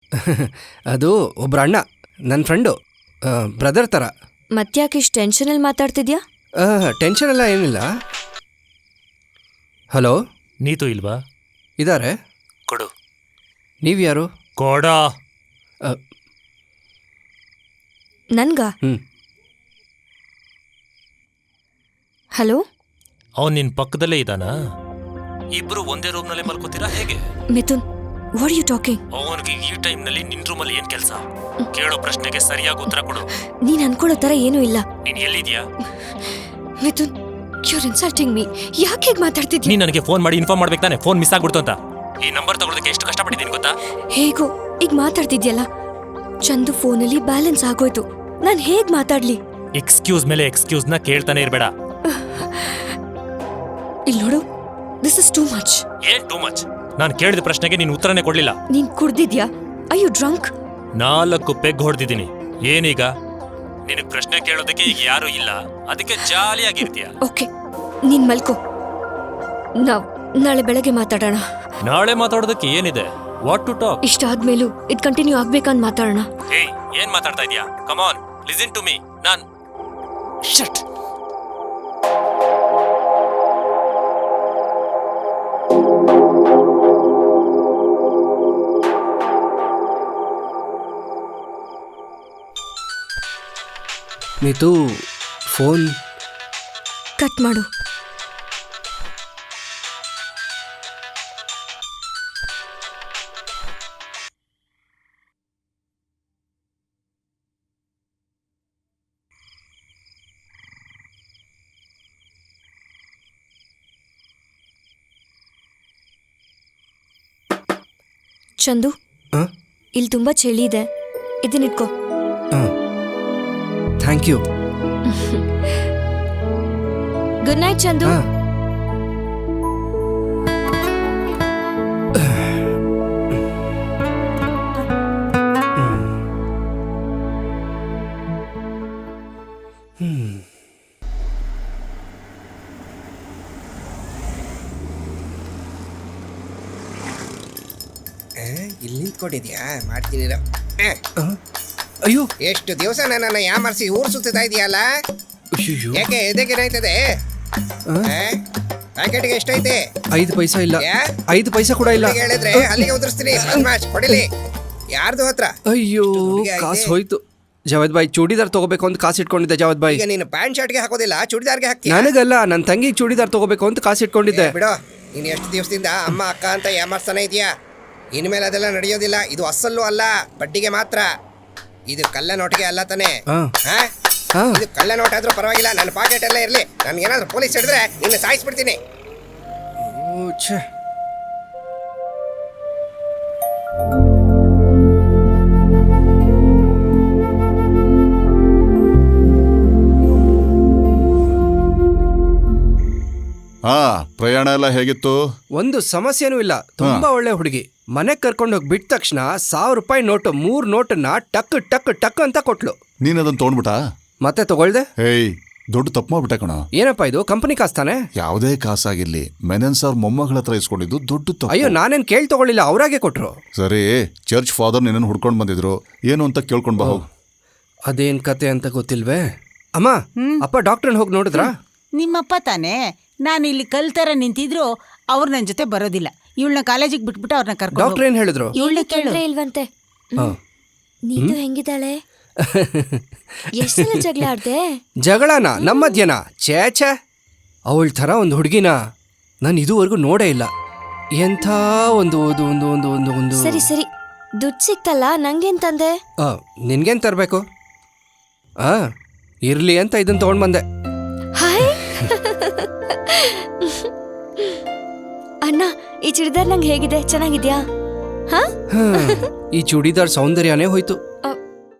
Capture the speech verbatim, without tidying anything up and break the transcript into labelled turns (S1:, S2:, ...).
S1: ಅದು ಒಬ್ರ ಅಣ್ಣ, ನನ್ನ ಫ್ರೆಂಡು, ಬ್ರದರ್ ಥರ.
S2: ಮತ್ತ್ಯಾಕೆ ಇಷ್ಟು ಟೆನ್ಷನಲ್ಲಿ ಮಾತಾಡ್ತಿದ್ಯಾ?
S1: ಟೆನ್ಷನ್ ಎಲ್ಲ ಏನಿಲ್ಲ. ಹಲೋ,
S3: ನೀತು ಇಲ್ವಾ?
S1: ಇದ್ದಾರೆ.
S3: ಕೊಡು.
S1: ನೀವು ಯಾರು?
S3: ಕೊಡ.
S2: ನನ್ಗ?
S1: ಹ್ಞೂ.
S2: ಹಲೋ,
S3: ಅವನು ನಿನ್ನ ಪಕ್ಕದಲ್ಲೇ ಇದ್ದಾನಾ? ಇಬ್ರು ಒಂದೇ ರೂಮ್ನಲ್ಲೇ ಮಲ್ಕೋತೀರಾ ಹೇಗೆ?
S2: Mithun, what you talking?
S3: ಅವನಿಗೆ ಈ ಟೈಮ್ನಲ್ಲಿ ನಿನ್ನ ರೂಮಲ್ಲಿ ಏನು ಕೆಲಸ? ಕೇಳೋ ಪ್ರಶ್ನೆಗೆ ಸರಿಯಾಗಿ ಉತ್ತರ ಕೊಡು.
S2: ನೀನ್ ಅನ್ಕೊಳ್ಳೋ ಥರ ಏನೂ ಇಲ್ಲ.
S3: ನೀನು ಎಲ್ಲಿದ್ಯಾ?
S2: Mithun, you're insulting me. ಯಾಕೆ ಹೀಗೆ ಮಾತಾಡ್ತಿದ್ಯಾ?
S3: ನೀನು ನನಗೆ ಫೋನ್ ಮಾಡಿ ಇನ್ಫಾರ್ಮ್ ಮಾಡ್ಬೇಕು ತಾನೆ, ಫೋನ್ ಮಿಸ್ ಆಗ್ಬಿಡ್ತು ಅಂತ. ಈ ನಂಬರ್ ತಗೊಳ್ಳೋದಕ್ಕೆ ಎಷ್ಟು ಕಷ್ಟಪಟ್ಟಿದ್ದೀನಿ ಗೊತ್ತಾ?
S2: ಹೇಗೋ ಈಗ ಮಾತಾಡ್ತಿದ್ಯಲ್ಲ. ಚಂದು ಫೋನಲ್ಲಿ ಬ್ಯಾಲೆನ್ಸ್ ಆಗೋಯ್ತು, ನಾನು ಹೇಗ್ ಮಾತಾಡ್ಲಿ?
S3: ಎಕ್ಸ್ಕ್ಯೂಸ್ ಮೇಲೆ ಎಕ್ಸ್ಕ್ಯೂಸ್ನ ಕೇಳ್ತಾನೆ ಇರಬೇಡ.
S2: ಇಲ್ಲಿ ನೋಡು, ದಿಸ್ ಇಸ್ ಟೂ ಮಚ್.
S3: ಏನ್ ಟೂ ಮಚ್? ನಾನು ಕೇಳಿದ ಪ್ರಶ್ನೆಗೆ ನೀನು ಉತ್ತರನೇ ಕೊಡ್ಲಿಲ್ಲ.
S2: ನೀನ್ ಕುಡ್ದಿದ್ಯಾ? I you drunk?
S3: ನಾಲ್ಕು ಪೆಗ್ ಹೊಡೆದಿದ್ದೀನಿ. ಏನೀಗ? ನಿನಗೆ ಪ್ರಶ್ನೆ ಕೇಳೋದಕ್ಕೆ ಈಗ ಯಾರು ಇಲ್ಲ, ಅದಕ್ಕೆ ಜಾಲಿಯಾಗಿರ್ತೀಯ.
S2: ಓಕೆ, ನೀನ್ ಮಲ್ಕೋ. ನಾವ್ ನಾಳೆ ಬೆಳಗ್ಗೆ ಮಾತಾಡೋಣ.
S3: ನಾಳೆ ಮಾತಾಡೋದಕ್ಕೆ ಏನಿದೆ? What to talk?
S2: ಇಷ್ಟಾದ್ಮೇಲೂ ಇದು ಕಂಟಿನ್ಯೂ ಆಗ್ಬೇಕಂತ ಮಾತಾಡೋಣ.
S3: ಏಯ್, ಏನ್ ಮಾತಾಡ್ತಾ ಇದೀಯಾ? Come on, listen to me. ನಾನ್ ಶಟ್.
S1: ನೀತು, ಫೋನ್
S2: ಕಟ್ ಮಾಡು. ಚಂದು, ಇಲ್ಲಿ ತುಂಬಾ ಚಳಿ ಇದೆ, ಇದನ್ನಿಟ್ಕೋ.
S1: Thank you.
S2: Good night Chandu.
S4: ಇಲ್ಲಿ ನಿಂತ್ಕೊಂಡಿದ್ಯಾ? ಮಾಡ್ತೀನಿ.
S1: ಅಯ್ಯೋ,
S4: ಎಷ್ಟು ದಿವಸ ನನ್ನನ್ನು ಯಾಮರ್ಸಿ ಊರು ಸುತ್ತಾ ಇದೆಯಲ್ಲ? ಯಾಕೆ ಎದಕ್ಕೇನಾಯ್ತದೆ? ಪ್ಯಾಕೆಟ್ಗೆ ಎಷ್ಟೈತೆ?
S1: ಐದು ಪೈಸಾ ಇಲ್ಲ. ಐದು ಪೈಸಾ ಕೂಡ ಇಲ್ಲ.
S4: ಹೇಳಿದ್ರೆ ಅಲ್ಲಿಗೆ ಉದುರಿಸ್ತೀನಿ. ಬದ್ಮಾಶ್, ಕೊಡಿಲಿ. ಯಾರ್ದು ಹತ್ರ?
S1: ಅಯ್ಯೋ, ಕಾಸು ಹೋಯ್ತು. ಜಾವದ್ ಬಾಯ್, ಚೂಡಿದಾರ್ ತಗೋಬೇಕು ಅಂತ ಕಾಸು ಇಟ್ಕೊಂಡಿದ್ದೆ. ಜಾವದ್ ಬಾಯ್,
S4: ಈಗ ನೀನು ಪ್ಯಾಂಟ್ ಶರ್ಟ್ಗೆ ಹಾಕೋದಿಲ್ಲ, ಚೂಡಿದಾರ್ಗೆ ಹಾಕ್ತೀಯ?
S1: ನನಗಲ್ಲ, ನನ್ನ ತಂಗಿಗೆ ಚೂಡಿದಾರ್ ತಗೋಬೇಕು ಅಂತ ಕಾಸು ಇಟ್ಕೊಂಡಿದ್ದೆ.
S4: ಬಿಡೋ, ನೀನು ಎಷ್ಟು ದಿವಸದಿಂದ ಅಮ್ಮ ಅಕ್ಕ ಅಂತ ಯಾಮರ್ಸ್ತಾನೆ ಇದೆಯಾ? ಇನ್ಮೇಲೆ ಅದೆಲ್ಲ ನಡೆಯೋದಿಲ್ಲ. ಇದು ಅಸಲು ಅಲ್ಲ, ಬಡ್ಡಿಗೆ ಮಾತ್ರ. ಇದು ಕಳ್ಳ ನೋಟಿಗೆ ಅಲ್ಲ ತಾನೆ? ಇದು ಕಳ್ಳ ನೋಟ್ ಆದ್ರೂ ಪರವಾಗಿಲ್ಲ, ನನ್ನ ಪಾಕೆಟ್ ಎಲ್ಲ ಇರಲಿ. ನನ್ಗೇನಾದ್ರೂ ಪೊಲೀಸ್ ಹಿಡಿದ್ರೆ ನಿನ್ನ ಸಾಯಿಸ್ಬಿಡ್ತೀನಿ.
S5: ಹಾ, ಪ್ರಯಾಣ ಎಲ್ಲ ಹೇಗಿತ್ತು?
S1: ಒಂದು ಸಮಸ್ಯೆನೂ ಇಲ್ಲ. ತುಂಬಾ ಒಳ್ಳೆ ಹುಡುಗಿ. ಮನೆಗೆ ಕರ್ಕೊಂಡು ಹೋಗಿ ಬಿಟ್ಟ ತಕ್ಷಣ ಸಾವಿರ ರೂಪಾಯಿ ನೋಟು ಮೂರ್ ನೋಟನ್ನ ಟಕ್ ಟಕ್ ಟಕ್ ಅಂತ ಕೊಟ್ಲು.
S5: ನೀನ್ ಅದನ್ನ ತಗೊಂಡ್ಬಿಟ್ಟ?
S1: ಮತ್ತೆ ತಗೊಳ್ದೆ.
S5: ಹೇಯ್, ದೊಡ್ಡ ತಪ್ಪು ಮಾಡ್ಬಿಟ್ಟೆ ಕಣ.
S1: ಏನಪ್ಪಾ ಇದು? ಕಂಪನಿ ಕಾಸ್ತಾನೆ?
S5: ಯಾವುದೇ ಕಾಸಾಗಿರ್ಲಿ, ಮೆನನ್ ಸರ್ ಮೊಮ್ಮಗಳ ಹತ್ರ ಇಸ್ಕೊಂಡಿದ್ದು ದೊಡ್ಡ ತಪ್ಪು.
S1: ಅಯ್ಯೋ, ನಾನೇನ್ ಕೇಳ್ ತಗೊಳ್ಳಿಲ್ಲ, ಅವ್ರಾಗೆ ಕೊಟ್ರು.
S5: ಸರಿ, ಚರ್ಚ್ ಫಾದರ್ ನಿನ್ನ ಹುಡ್ಕೊಂಡ್ ಬಂದಿದ್ರು, ಏನು ಅಂತ ಕೇಳ್ಕೊಂಡ್ ಬಾ ಹೋಗು.
S1: ಅದೇನ್ ಕತೆ ಅಂತ ಗೊತ್ತಿಲ್ವೇ? ಅಮ್ಮ, ಅಪ್ಪ ಡಾಕ್ಟರ್ ಹೋಗಿ ನೋಡಿದ್ರಾ?
S6: ನಿಮ್ಮಪ್ಪ ತಾನೇ. ನಾನು ಇಲ್ಲಿ ಕಲ್ತರ ನಿಂತಿದ್ರು ಅವ್ರು ನನ್ನ ಜೊತೆ ಬರೋದಿಲ್ಲ. ಇವಳನ್ನ ಕಾಲೇಜಿಗೆ ಬಿಟ್ಬಿಟ್ಟು ಅವ್ರನ್ನ ಕರ್ಕೊಂಡು.
S1: ಡಾಕ್ಟರ್ ಏನ್ ಹೇಳಿದ್ರು?
S2: ಇವಳನ್ನ ಕೇಳಿದ್ರೆ ಇಲ್ವಂತೆ. ನೀನು ಹೆಂಗಿದ್ದಾಳೆ? ಎಷ್ಟೆಲ್ಲ ಜಗಳ ಆಡ್ದೆ?
S1: ಜಗಳನ ನಮ್ಮ ಮಧ್ಯನ? ಛೇ ಛೇ, ಅವಳ ಥರ ಒಂದು ಹುಡುಗಿನ ನಾನು ಇದುವರೆಗೂ ನೋಡೇ ಇಲ್ಲ. ಎಂಥ ಒಂದು ಒಂದು ಒಂದು ಒಂದು ಒಂದು ಒಂದು
S2: ಸರಿ ಸರಿ, ದುಡ್ಡು ಸಿಕ್ತಲ್ಲ, ನಂಗೇನ್ ತಂದೆ?
S1: ನಿನ್ಗೇನ್ ತರಬೇಕು? ಆ ಇರ್ಲಿ ಅಂತ ಇದನ್ನ ತಗೊಂಡ್ ಬಂದೆ.
S2: ಹಾಯ್ ಅಣ್ಣ, ಈ ಚೂಡಿದಾರ್ ನಂಗೆ ಹೇಗಿದೆ? ಚೆನ್ನಾಗಿದ್ಯಾ?
S1: ಈ ಚೂಡಿದಾರ್ ಸೌಂದರ್ಯನೇ ಹೋಯ್ತು.